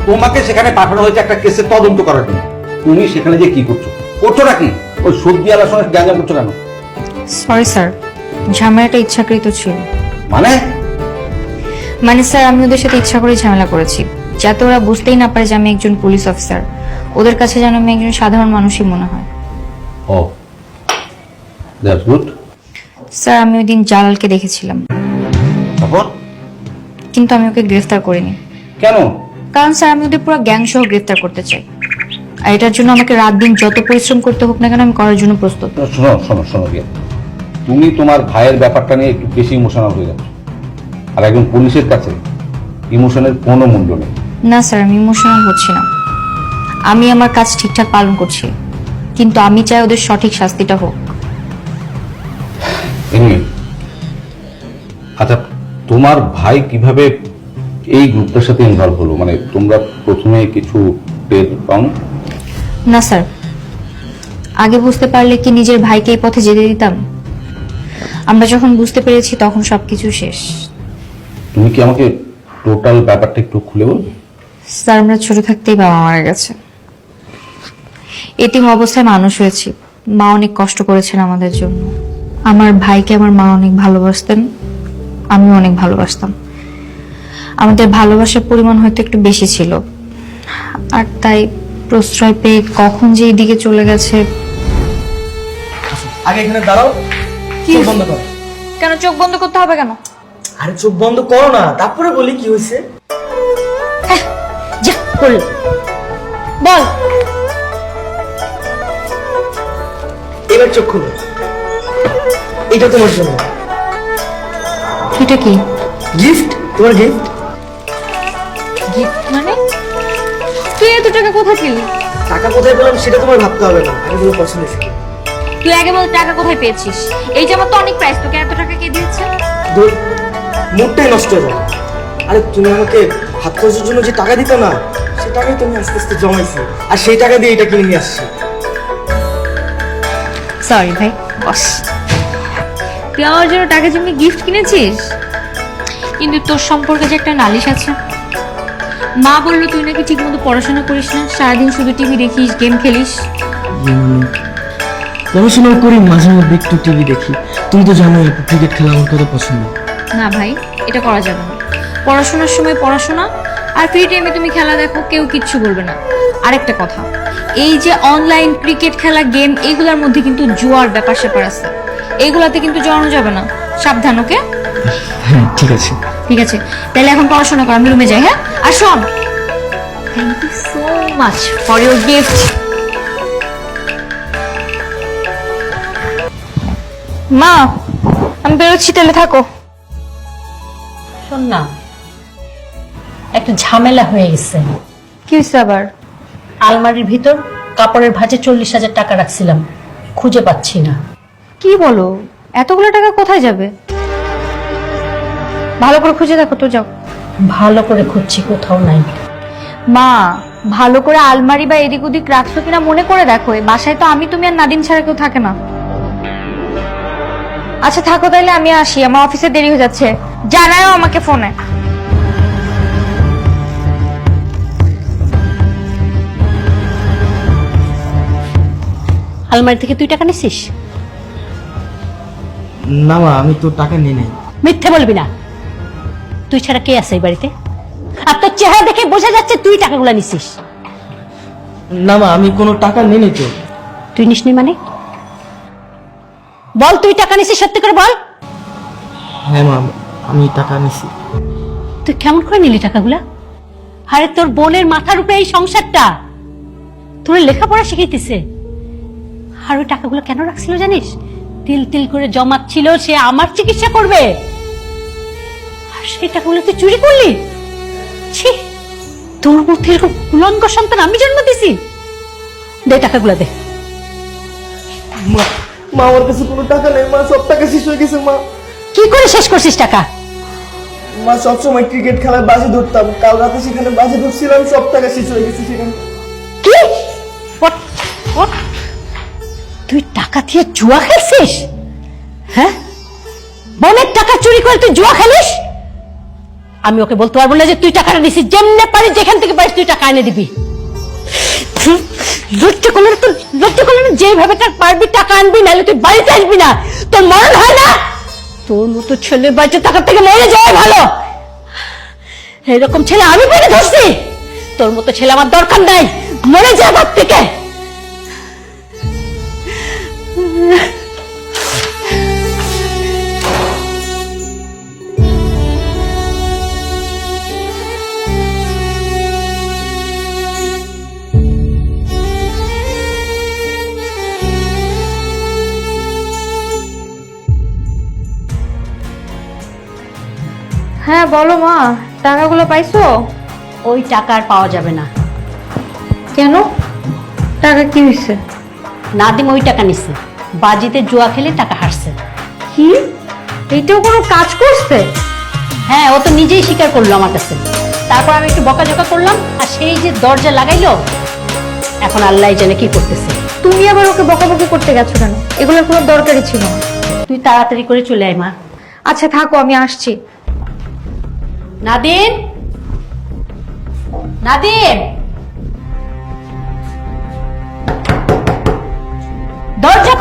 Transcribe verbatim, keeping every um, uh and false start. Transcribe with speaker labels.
Speaker 1: তোমাকে সেখানে পাঠানো হয়েছে একটা কেসের তদন্ত করার জন্য। তুমি সেখানে যে কি করছো করছো নাকি? ওই সবজি আলার সঙ্গে গ্যাঞ্জাম করছো কেন?
Speaker 2: সরি স্যার, ঝামেলাটা ইচ্ছাকৃত ছিল।
Speaker 1: মানে
Speaker 2: মানে স্যার, আমি ওদের সাথে ইচ্ছা করে ঝামেলা করেছি, যাতে ওরা বুঝতেই না পারে যে আমি একজন পুলিশ অফিসার। ওদের কাছে যেন আমি একজন সাধারণ মানুষই মনে হয়।
Speaker 1: ও দ্যাটস গুড।
Speaker 2: স্যার, আমি ওই দিন জালালকে দেখেছিলাম,
Speaker 1: তখন
Speaker 2: কিন্তু আমি ওকে গ্রেফতার করিনি।
Speaker 1: কেন?
Speaker 2: কারণ স্যার, আমি ওদের পুরো গ্যাং সহ গ্রেফতার করতে চাই, আর এটার জন্য আমাকে রাত দিন যত পরিশ্রম করতে হোক না কেন আমি করার জন্য প্রস্তুত।
Speaker 1: শোনো শোনো শোনো গিয়ে, তুমি তোমার ভাইয়ের ব্যাপারটা নিয়ে একটু বেশি ইমোশনাল হয়ে যাচ্ছ, আর একজন পুলিশের কাছে ইমোশনের কোনো মূল্য নেই।
Speaker 2: না স্যার, আমি ইমোশনাল হচ্ছি না, আমি আমার কাজ ঠিকঠাক পালন করছি, কিন্তু আমি চাই ওদের সঠিক শাস্তিটা হোক।
Speaker 1: এমনি আচ্ছা, তোমার ভাই কিভাবে এই গ্রুপটার সাথে ইনভলভ হলো? মানে তোমরা প্রথমে কিছু টের পাও?
Speaker 2: না স্যার, আগে বুঝতে পারলে কি নিজের ভাইকে এই পথে যেতে দিতাম? আমরা যখন বুঝতে পেরেছি তখন সবকিছু শেষ।
Speaker 1: তুমি কি আমাকে টোটাল ব্যাপারটা একটু খুলে বলবে?
Speaker 2: স্যার, আমরা ছোট থাকতেই বাবা মারা গেছে, এতিম অবস্থায় মানুষ হয়েছি। মা অনেক কষ্ট করেছেন আমাদের জন্য। আমার ভাইকে আমার মা অনেক ভালোবাসতেন, আমিও অনেক ভালোবাসতাম। আমাদের ভালোবাসার পরিমাণ হয়তো একটু বেশি ছিল, আর তাই প্রশ্রয় পেয়ে কখন যে এইদিকে চলে গেছে।
Speaker 3: আগে এখানে দাঁড়াও, চোখ বন্ধ করো।
Speaker 2: কেন চোখ বন্ধ করতে হবে কেন?
Speaker 3: আরে চোখ বন্ধ করো না, তারপরে বলি কি হয়েছে।
Speaker 2: যা বল বল।
Speaker 3: এবার চোখ খুলো, এটা তোমার জন্য
Speaker 2: এটা কি
Speaker 3: গিফট, তোমার গিফট।
Speaker 2: গিফট মানে? তুই এত টাকা কোথায় পেলি?
Speaker 3: টাকা কোথায় পেলাম সেটা তোমার ভাবতে হবে না, আগে তোমার পছন্দ হয়েছে।
Speaker 2: তুই আগে বল টাকা কোথায় পেয়েছিস? এই জামা তো অনেক প্রাইস, তোকে এত টাকা কে দিয়েছে?
Speaker 3: ধুর, মুডটাই নষ্ট হয়ে যাবে। আরে তুমি আমাকে হাত খরচের জন্য যে টাকা দিতে না, সে টাকাই তুমি আস্তে আস্তে জমাইছি, আর সেই টাকা দিয়ে এটা কিনে নিয়ে আসছি।
Speaker 2: সরি ভাই, বস। তুই আমার জন্য টাকা জমিয়ে গিফট কিনেছিস, কিন্তু তোর সম্পর্কে যে একটা নালিশ আছে। মা বললো তুই নাকি ঠিক মতো পড়াশোনা করিস না, সারাদিন শুধু টিভি দেখিস, গেম খেলিস।
Speaker 3: পড়াশোনা করি, মাঝে মধ্যে একটু টিভি দেখি। তুমি তো জানোই ক্রিকেট খেলা আমার কত পছন্দ।
Speaker 2: না ভাই, এটা করা যাবে না। পড়াশোনার সময় পড়াশোনা, আর ফ্রি টাইমে তুমি খেলা দেখো, কেউ কিচ্ছু বলবে না। আরেকটা কথা, এই যে অনলাইন ক্রিকেট খেলা, গেম, এইগুলোর মধ্যে কিন্তু জুয়ার ব্যাপার স্যাপার আছে, এইগুলাতে কিন্তু জড়ানো যাবে না। সাবধান, ওকে?
Speaker 3: হ্যাঁ ঠিক আছে।
Speaker 2: ঠিক আছে, তাহলে এখন পড়াশোনা কর, আমি রুমে যাই। হ্যাঁ, আর শোন, thank you so much for your gift. মা, আমি বেরোচ্ছি, তাহলে থাকো।
Speaker 4: শোন না, একটা ঝামেলা হয়ে গেছে।
Speaker 2: কি হয়েছে আবার?
Speaker 4: আলমারির ভিতর কাপড়ের ভাঁজে চল্লিশ হাজার টাকা রাখছিলাম, খুঁজে পাচ্ছি না।
Speaker 2: কি বলো? এতগুলো টাকা কোথায় যাবে? ভালো করে খুঁজে দেখো তো, যাও।
Speaker 4: ভালো করে খুঁজছি, কোথাও নাই।
Speaker 2: মা, ভালো করে আলমারি বা এদিক ওদিক রাখছো কিনা মনে করে দেখো। এই বাসায় তো আমি, তুমি আর নাদিম ছাড়া কেউ থাকে না। আচ্ছা থাকো, তাইলে আমি আসি, আমার অফিসে দেরি হয়ে যাচ্ছে। জানাও আমাকে ফোনে।
Speaker 4: আলমারি থেকে তুই টাকা নিছিস?
Speaker 3: না মা, আমি তো টাকা নিয়ে নাই।
Speaker 4: মিথ্যে বলবি না। তুই ছাড়া কে আছে এই বাড়িতে? আর তোর চেহারা দেখে বোঝা যাচ্ছে তুই টাকাগুলো নিছিস।
Speaker 3: না মা, আমি কোনো টাকা নিয়ে নি তো।
Speaker 4: তুই নিসনি মানে? বল, তুই টাকা নিছিস, সত্যি করে বল।
Speaker 3: হ্যাঁ মা, আমি টাকা নিছি।
Speaker 4: তুই কেমন করে নিলি টাকাগুলা? আরে তোর বোনের মাথার উপরে এই সংসারটা, তোর লেখাপড়া শিখাইতেছে। আর ওই টাকাগুলো কেন রাখছিল জানিস? তিল তিল করে জমাচ্ছিল, সে আমার চিকিৎসা করবে। আর সেই টাকাগুলো তুই চুরি করলি? ছি, তোর মধ্যে এরকম উলঙ্গ সন্তান আমি জন্ম দিছি? দে টাকাগুলো দে।
Speaker 3: মা, মা আমার কাছে কোনো টাকা নেই মা, সব টাকা শেষ হয়ে গেছে মা।
Speaker 4: কি করে শেষ করছিস টাকা?
Speaker 3: মা, সবসময় ক্রিকেট খেলায় বাজি ধরতাম, কাল রাতে সেখানে বাজি ধরছিলাম, সব টাকা শেষ হয়ে গেছে সেখানে।
Speaker 4: কি? What? What? তুই টাকা দিয়ে জুয়া খেলছিস? হ্যাঁ, বোনের টাকা চুরি করে তুই জুয়া খেলিস? আমি ওকে বলতে পারবো না যে তুই টাকাটা নিছিস। যেমনে পারিস, যেখান থেকে পারিস তুই টাকা টাকা এনে দিবি। লজ্জা করলে না তোর, লজ্জা করলে না? যেভাবে তার পারবি টাকা আনবি, নাহলে তুই বাড়িতে আসবি না। তোর মরণ হয় না? তোর মতো ছেলে বাড়িতে টাকার থেকে মরে যাওয়া ভালো। এরকম ছেলে আমি পেটে ধরছি। তোর মতো ছেলে আমার দরকার নাই, মরে যা বাপ থেকে।
Speaker 2: হ্যাঁ বলো মা, টাকাগুলো পাইছো?
Speaker 4: ওই টাকা আর পাওয়া যাবে না।
Speaker 2: কেন? টাকা কি হয়েছে?
Speaker 4: নাদিম ওই টাকা নিছে, বাজিতে জুয়া খেলে টাকা হারছে।
Speaker 2: কি? এইটাও কোনো কাজ করছে?
Speaker 4: হ্যাঁ, ও তো নিজেই স্বীকার করলো আমার কাছে। তারপর আমি একটু বকাঝকা করলাম, আর সেই যে দরজা লাগাইলো, এখন আল্লাহ জানে কি করতেছে।
Speaker 2: তুমি আবার ওকে বকাবকি করতে গেছো কেন? এগুলোর কোনো দরকারই ছিল না।
Speaker 4: তুই তাড়াতাড়ি করে চলে আয় মা।
Speaker 2: আচ্ছা থাকো, আমি আসছি।
Speaker 4: নাদিম, নাদিম, দরজা